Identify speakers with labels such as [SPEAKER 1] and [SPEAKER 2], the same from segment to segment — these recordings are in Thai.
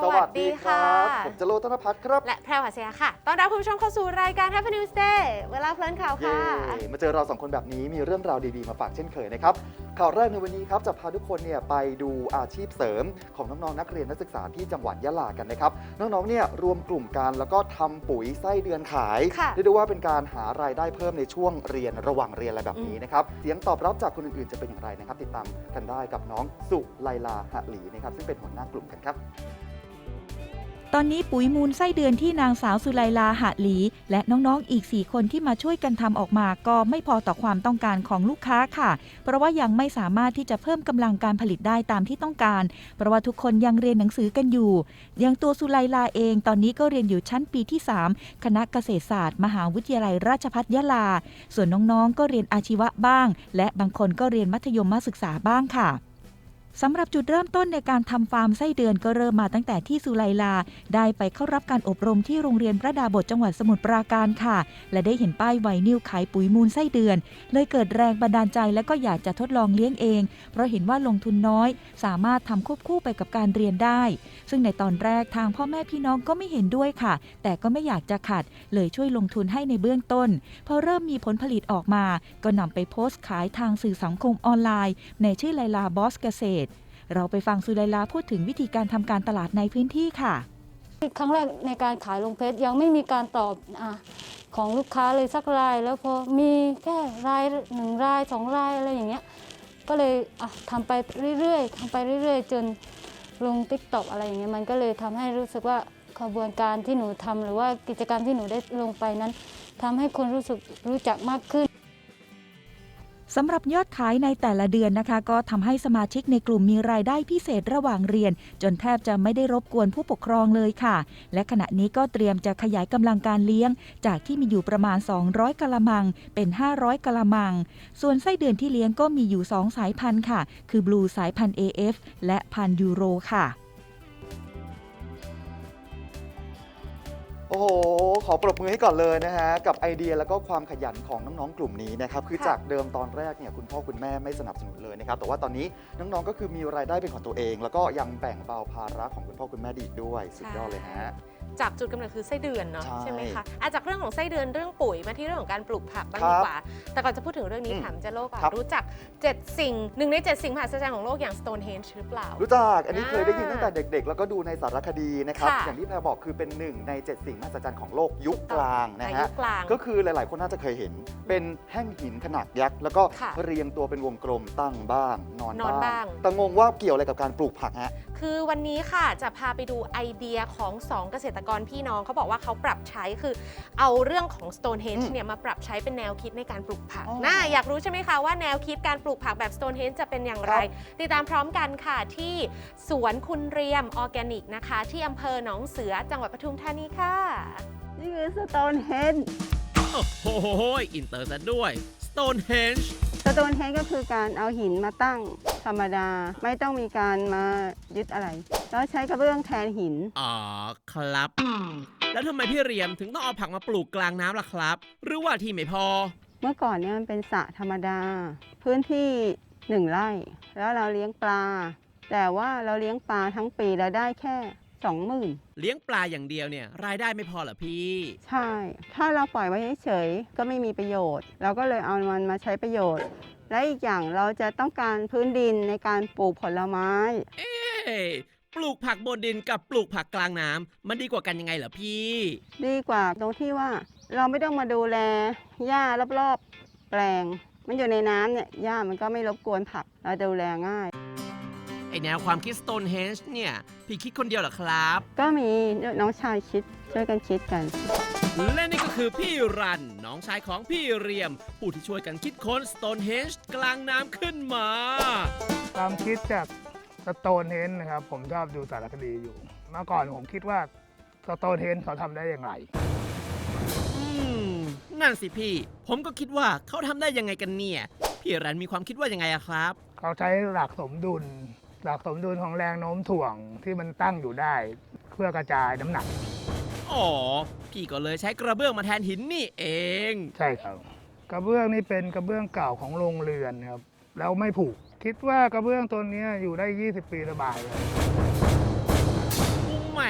[SPEAKER 1] สวัสดีครับผมจโรจน์ ธนภัทรครับ
[SPEAKER 2] และแพรวหัสยาค่ะต้อนรับคุณผู้ชมเข้าสู่รายการ Happy News Day เวลาเพลินข่าวค่ะ
[SPEAKER 1] มาเจอเราสองคนแบบนี้มีเรื่องราวดีๆมาฝากเช่นเคยนะครับข่าวแรกในวันนี้ครับจะพาทุกคนเนี่ยไปดูอาชีพเสริมของน้องๆนักเรียนนักศึกษาที่จังหวัดยะลากันนะครับน้องๆเนี่ยรวมกลุ่มกันแล้วก็ทำปุ๋ยไส้เดือนขายเรียกได้ว่าเป็นการหารายได้เพิ่มในช่วงเรียนระหว่างเรียนอะไรแบบนี้นะครับเสียงตอบรับจากคนอื่นๆจะเป็นอย่างไรนะครับติดตามกันได้กับน้องสุไลลาหะหลีนะครับซึ่งเป็นหัวหน้ากลุ่มกันครับ
[SPEAKER 3] ตอนนี้ปุ๋ยมูลไส้เดือนที่นางสาวสุไลลาหะหลีและน้องๆอีก4คนที่มาช่วยกันทำออกมาก็ไม่พอต่อความต้องการของลูกค้าค่ะเพราะว่ายังไม่สามารถที่จะเพิ่มกำลังการผลิตได้ตามที่ต้องการเพราะว่าทุกคนยังเรียนหนังสือกันอยู่อย่างตัวสุไลลาเองตอนนี้ก็เรียนอยู่ชั้นปีที่3คณะเกษตรศาสตร์มหาวิทยาลัยราชภัฏยะลาส่วนน้องๆก็เรียนอาชีวะบ้างและบางคนก็เรียนมัธยมศึกษาบ้างค่ะสำหรับจุดเริ่มต้นในการทำฟาร์มไส้เดือนก็เริ่มมาตั้งแต่ที่สุไลลาได้ไปเข้ารับการอบรมที่โรงเรียนพระดาบสจังหวัดสมุทรปราการค่ะและได้เห็นป้ายไวนิลขายปุ๋ยมูลไส้เดือนเลยเกิดแรงบันดาลใจและก็อยากจะทดลองเลี้ยงเองเพราะเห็นว่าลงทุนน้อยสามารถทำควบคู่ไปกับการเรียนได้ซึ่งในตอนแรกทางพ่อแม่พี่น้องก็ไม่เห็นด้วยค่ะแต่ก็ไม่อยากจะขัดเลยช่วยลงทุนให้ในเบื้องต้นพอเริ่มมีผลผลิตออกมาก็นำไปโพสต์ขายทางสื่อสังคมออนไลน์ในชื่อไลลาบอสเกษตรเราไปฟังสุไลลาพูดถึงวิธีการทำการตลาดในพื้นที่ค่ะ
[SPEAKER 4] ครั้งแรกในการขายลงเพจยังไม่มีการตอบของลูกค้าเลยสักรายแล้วพอมีแค่ราย1 ราย 2 รายอะไรอย่างเงี้ยก็เลยทำไปเรื่อยๆจนลง TikTok อะไรอย่างเงี้ยมันก็เลยทำให้รู้สึกว่าขบวนการที่หนูทำหรือว่ากิจกรรมที่หนูได้ลงไปนั้นทำให้คนรู้จักมากขึ้น
[SPEAKER 3] สำหรับยอดขายในแต่ละเดือนนะคะก็ทำให้สมาชิกในกลุ่มมีรายได้พิเศษระหว่างเรียนจนแทบจะไม่ได้รบกวนผู้ปกครองเลยค่ะและขณะนี้ก็เตรียมจะขยายกำลังการเลี้ยงจากที่มีอยู่ประมาณ200กะละมังเป็น500กะละมังส่วนไส้เดือนที่เลี้ยงก็มีอยู่2สายพันธุ์ค่ะคือบลูสายพันธุ์ AF และพันธุ์ยูโรค่ะ
[SPEAKER 1] โอ้โหขอปรบมือให้ก่อนเลยนะฮะกับไอเดียแล้วก็ความขยันของน้องๆกลุ่มนี้นะครับคือจากเดิมตอนแรกเนี่ยคุณพ่อคุณแม่ไม่สนับสนุนเลยนะครับแต่ว่าตอนนี้น้องๆก็คือมีรายได้เป็นของตัวเองแล้วก็ยังแบ่งเบาภาระของคุณพ่อคุณแม่ดีด้วยสุดยอดเลยฮะ
[SPEAKER 2] จากจุดกำเนิดคือไส้เดือนเนาะใช่ไหมคะจากเรื่องของไส้เดือนเรื่องปุ๋ยมาที่เรื่องของการปลูกผักบ้างดีกว่าแต่ก่อนจะพูดถึงเรื่องนี้ถามเจโลก่อนรู้จัก7สิ่ง1 ใน 7 สิ่งมหัศจรรย์ของโลกอย่าง Stonehenge หรือเปล่า
[SPEAKER 1] รู้จักอันนี้เคยได้ยินตั้งแต่เด็กๆแล้วก็ดูในสารคดีนะครับอย่างที่แพรบอกคือเป็น1 ใน 7 สิ่งมหัศจรรย์ของโลกยุคกลางนะฮะก็คือหลายๆคนน่าจะเคยเห็นเป็นแท่งหินขนาดยักษ์แล้วก็เรียงตัวเป็นวงกลมตั้งบ้างนอนบ้างแต่งงว่าเกี่ยวอะไรกับการปลูกผักฮะ
[SPEAKER 2] คือวันนี้ค่ะจะพาไปดูไอเดียของ2เกษตรกรพี่น้องเขาบอกว่าเขาปรับใช้คือเอาเรื่องของ Stonehenge เนี่ยมาปรับใช้เป็นแนวคิดในการปลูกผักอยากรู้ใช่ไหมคะว่าแนวคิดการปลูกผักแบบ Stonehenge จะเป็นอย่างไรติดตามพร้อมกันค่ะที่สวนคุณเรียมออร์แกนิกนะคะที่อำเภอหนองเสือจังหวัดปทุมธานีค่ะ
[SPEAKER 5] นี่คือ Stonehenge
[SPEAKER 6] โอ้โหอินเตอร์ซะด้วย Stonehenge
[SPEAKER 5] Stonehenge ก็คือการเอาหินมาตั้งธรรมดาไม่ต้องมีการมายึดอะไรแล้วใช้กระเบื้องแทนหิน
[SPEAKER 6] อ๋อครับแล้วทำไมพี่เรียมถึงต้องเอาผักมาปลูกกลางน้ำล่ะครับหรือว่าที่ไม่พอ
[SPEAKER 5] เมื่อก่อนเนี่ยมันเป็นสระธรรมดาพื้นที่1 ไร่แล้วเราเลี้ยงปลาแต่ว่าเราเลี้ยงปลาทั้งปีเราได้แค่20,000
[SPEAKER 6] เลี้ยงปลาอย่างเดียวเนี่ยรายได้ไม่พอเหรอพี่
[SPEAKER 5] ใช่ถ้าเราปล่อยไว้เฉยๆก็ไม่มีประโยชน์เราก็เลยเอามันมาใช้ประโยชน์และอีกอย่างเราจะต้องการพื้นดินในการปลูกผลไม้
[SPEAKER 6] ปลูกผักบนดินกับปลูกผักกลางน้ำมันดีกว่ากันยังไงเหรอพี่
[SPEAKER 5] ดีกว่าตรงที่ว่าเราไม่ต้องมาดูแลหญ้ารอบๆแปลงมันอยู่ในน้ำเนี่ยหญ้ามันก็ไม่รบกวนผักเราดูแลง่าย
[SPEAKER 6] ไอแนวความคิด Stonehenge เนี่ยพี่คิดคนเดียวเหรอครับ
[SPEAKER 5] ก็มีน้องชายคิดช่วยกันคิดกัน
[SPEAKER 6] และนี่ก็คือพี่รันน้องชายของพี่เรียมผู้ที่ช่วยกันคิดค้น Stonehenge กลางน้ำขึ้นมา
[SPEAKER 7] ความคิดจาก Stonehenge นะครับผมชอบดูสารคดีอยู่เมื่อก่อนผมคิดว่า Stonehenge เขาทำได้อย่างไร
[SPEAKER 6] นั่นสิพี่ผมก็คิดว่าเขาทำได้ยังไงกันเนี่ยพี่รันมีความคิดว่ายังไงอะครับ
[SPEAKER 7] เขาใช้หลักสมดุลของแรงโน้มถ่วงที่มันตั้งอยู่ได้เพื่อกระจายน้ำหนัก
[SPEAKER 6] อ๋อพี่ก็เลยใช้กระเบื้องมาแทนหินนี่เอง
[SPEAKER 7] ใช่ครับกระเบื้องนี่เป็นกระเบื้องเก่าของโรงเรือนครับแล้วไม่ผุคิดว่ากระเบื้องตัวนี้อยู่ได้20 ปีสบายเลย
[SPEAKER 6] มุมให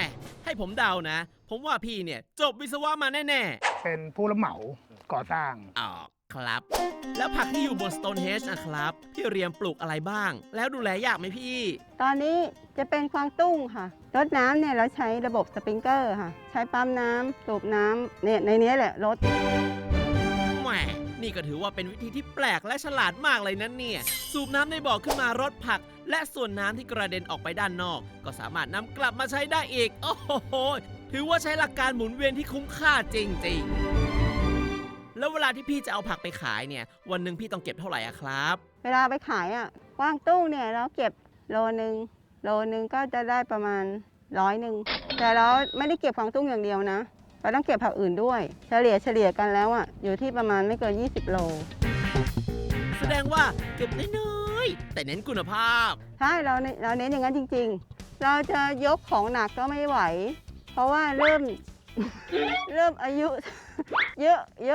[SPEAKER 6] ให้ผมเดานะ ผมว่าพี่เนี่ยจบวิศวะมาแน่
[SPEAKER 7] เป็นผู้รับเหมาก่อสร้าง
[SPEAKER 6] ๆอ๋อครับ แล้วผักที่อยู่บน Stonehenge นะครับพี่เรียมปลูกอะไรบ้าง แล้วดูแลยากไหมพี่
[SPEAKER 5] ตอนนี้จะเป็นกวางตุ้งค่ะรดน้ำเนี่ยเราใช้ระบบสปริงเกอร์ค่ะ ใช้ปั๊มน้ำสูบน้ำเนี่ยในนี้แหละรด
[SPEAKER 6] แหมนี่ก็ถือว่าเป็นวิธีที่แปลกและฉลาดมากเลยนะเนี่ย สูบน้ำในบ่อขึ้นมารดผัก และส่วนน้ำที่กระเด็นออกไปด้านนอก ก็สามารถนำกลับมาใช้ได้อีก โอ้โห ถือว่าใช้หลักการหมุนเวียนที่คุ้มค่าจริงๆ แล้วเวลาที่พี่จะเอาผักไปขายเนี่ย วันหนึ่งพี่ต้องเก็บเท่าไหร่อะครับ
[SPEAKER 5] เวลาไปขายอ่ะกวางตุ้งเนี่ยเราเก็บโลนึงก็จะได้ประมาณ100แต่เราไม่ได้เก็บกวางตุ้งอย่างเดียวนะเราต้องเก็บผักอื่นด้วย เฉลี่ยกันแล้วอ่ะอยู่ที่ประมาณไม่เกิน20 โล
[SPEAKER 6] แสดงว่าเก็บน้อยๆแต่เน้นคุณภาพ
[SPEAKER 5] ใช่เราเน้นอย่างนั้นจริงๆ เราจะยกของหนักก็ไม่ไหว เพราะว่าเริ่ม อายุ เยอะ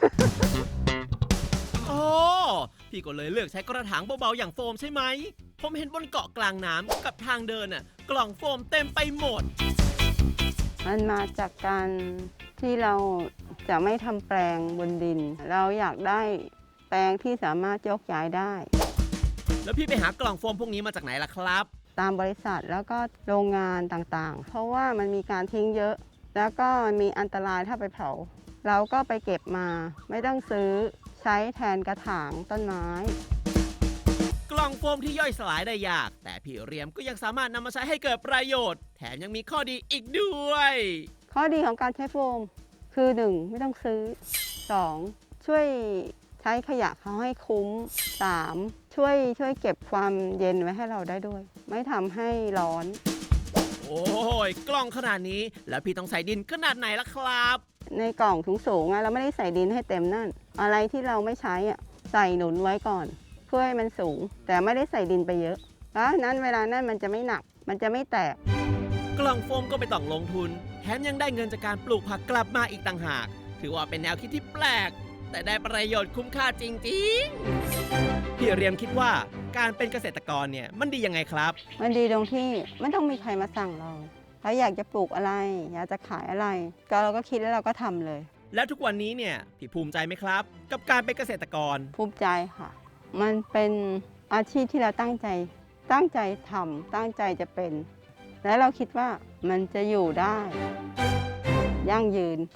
[SPEAKER 6] โอ้พี่ก็เลยเลือกใช้กระถางเบาๆอย่างโฟมใช่ไหม ผมเห็นบนเกาะกลางน้ำกับทางเดินน่ะกล่องโฟมเต็มไปหมด
[SPEAKER 5] มันมาจากการที่เราจะไม่ทำแปลงบนดิน เราอยากได้แปลงที่สามารถยกย้ายได้
[SPEAKER 6] แล้วพี่ไปหากล่องโฟมพวกนี้มาจากไหนล่ะครับ
[SPEAKER 5] ตามบริษัทแล้วก็โรงงานต่างๆ เพราะว่ามันมีการทิ้งเยอะ แล้วก็มีอันตรายถ้าไปเผา เราก็ไปเก็บมาไม่ต้องซื้อใช้แทนกระถางต้นไม้
[SPEAKER 6] กล่องโฟมที่ย่อยสลายได้ยาก แต่พี่เรียมก็ยังสามารถนำมาใช้ให้เกิดประโยชน์ แถมยังมีข้อดีอีกด้วย
[SPEAKER 5] ข้อดีของการใช้โฟมคือ 1. ไม่ต้องซื้อ 2. ช่วยใช้ขยะเขาให้คุ้ม 3. ช่วยเก็บความเย็นไว้ให้เราได้ด้วย ไม่ทำให้ร้อน
[SPEAKER 6] โอ้ยกล่องขนาดนี้แล้วพี่ต้องใส่ดินขนาดไหนล่ะครับ
[SPEAKER 5] ในกล่องสูงๆเราไม่ได้ใส่ดินให้เต็มนั่น อะไรที่เราไม่ใช้ใส่หนุนไว้ก่อนเพื่อให้มันสูง แต่ไม่ได้ใส่ดินไปเยอะเพราะนั้นเวลานั้นมันจะไม่หนัก มันจะไม่แตก
[SPEAKER 6] กล่องโฟมก็ไม่ต้องลงทุน แถมยังได้เงินจากการปลูกผักกลับมาอีกต่างหาก ถือว่าเป็นแนวคิดที่แปลก แต่ได้ประโยชน์คุ้มค่าจริงๆ พี่เรียมคิดว่าการเป็นเกษตรกรเนี่ยมันดียังไงครับ
[SPEAKER 5] มันดีตรงที่ไม่ต้องมีใครมาสั่งเราอยากจะปลูกอะไร อยากจะขายอะไรก็เราก็คิดแล้วเราก็ทำเลย
[SPEAKER 6] แล้วทุกวันนี้เนี่ยพี่ภูมิใจไหมครับ กับการเป็นเกษตรกร
[SPEAKER 5] ภูมิใจค่ะ มันเป็นอาชีพที่เราตั้งใจทำตั้งใจจะเป็น และเราคิดว่ามันจะอยู่ได้ ยั่งยืน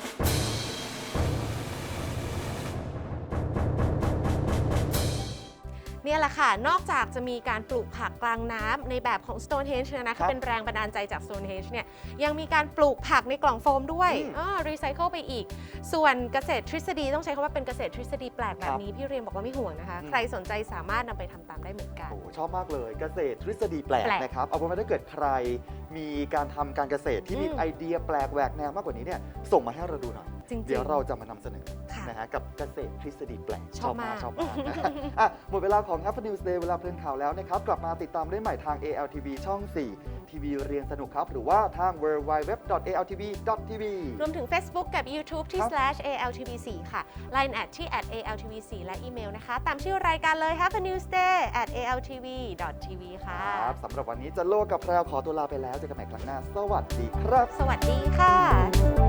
[SPEAKER 2] เนี่ยแหละค่ะ นอกจากจะมีการปลูกผักกลางน้ำในแบบของ Stonehenge นะ
[SPEAKER 1] ครั
[SPEAKER 2] คะ
[SPEAKER 1] บ
[SPEAKER 2] เป็นแรงบันดาลใจจาก Stonehenge เนี่ยยังมีการปลูกผักในกล่องโฟมด้วย รีไซเคิลไปอีก ส่วนเกษตรทฤษฎีต้องใช้คำว่าเป็นเกษตรทฤษฎีแปลกแบบนี้พี่เรียมบอกว่าไม่ห่วงนะคะ ใครสนใจสามารถนำไปทำตามได้เหมือนกัน
[SPEAKER 1] โอ้ชอบมากเลยเกษตรทฤษฎีแปลก
[SPEAKER 2] แปลก
[SPEAKER 1] นะครับเอาเป็นว่าถ้าเกิดใครมีการทำการเกษตรที่มี
[SPEAKER 2] อืม
[SPEAKER 1] ไอเดียแปลกแหวกแนวมากกว่านี้เนี่ยส่งมาให้เราดูหน่อย
[SPEAKER 2] จริงๆ
[SPEAKER 1] เดี๋ยวเราจะมานำเสนอ
[SPEAKER 2] ค่ะ
[SPEAKER 1] นะฮะกับเกษตรทฤษฎีแปลก
[SPEAKER 2] ชอบมาก
[SPEAKER 1] ชอบมากนะฮะอ่ะหมดเวลาของ Happy News Day เวลาเพลินข่าวแล้วนะครับ กลับมาติดตามได้ใหม่ทาง ALTV ช่อง 4 ทีวีเรียนสนุกครับ หรือว่าทาง www.altv.tv
[SPEAKER 2] รวมถึง Facebook กับ YouTube ที่
[SPEAKER 1] ครับ
[SPEAKER 2] /ALTV4 ค่ะ Line@ ที่ @ALTV4 และอีเมลนะคะ ตามชื่อรายการเลย Have a News Day @ALTV.tv ค่ะ
[SPEAKER 1] ครับสำหรับวันนี้จะโลกกับแพรวขอตัวลาไปแล้วเจอกันใหม่ครั้งหน้า สวัสดีครับ
[SPEAKER 2] สวัสดีค่ะ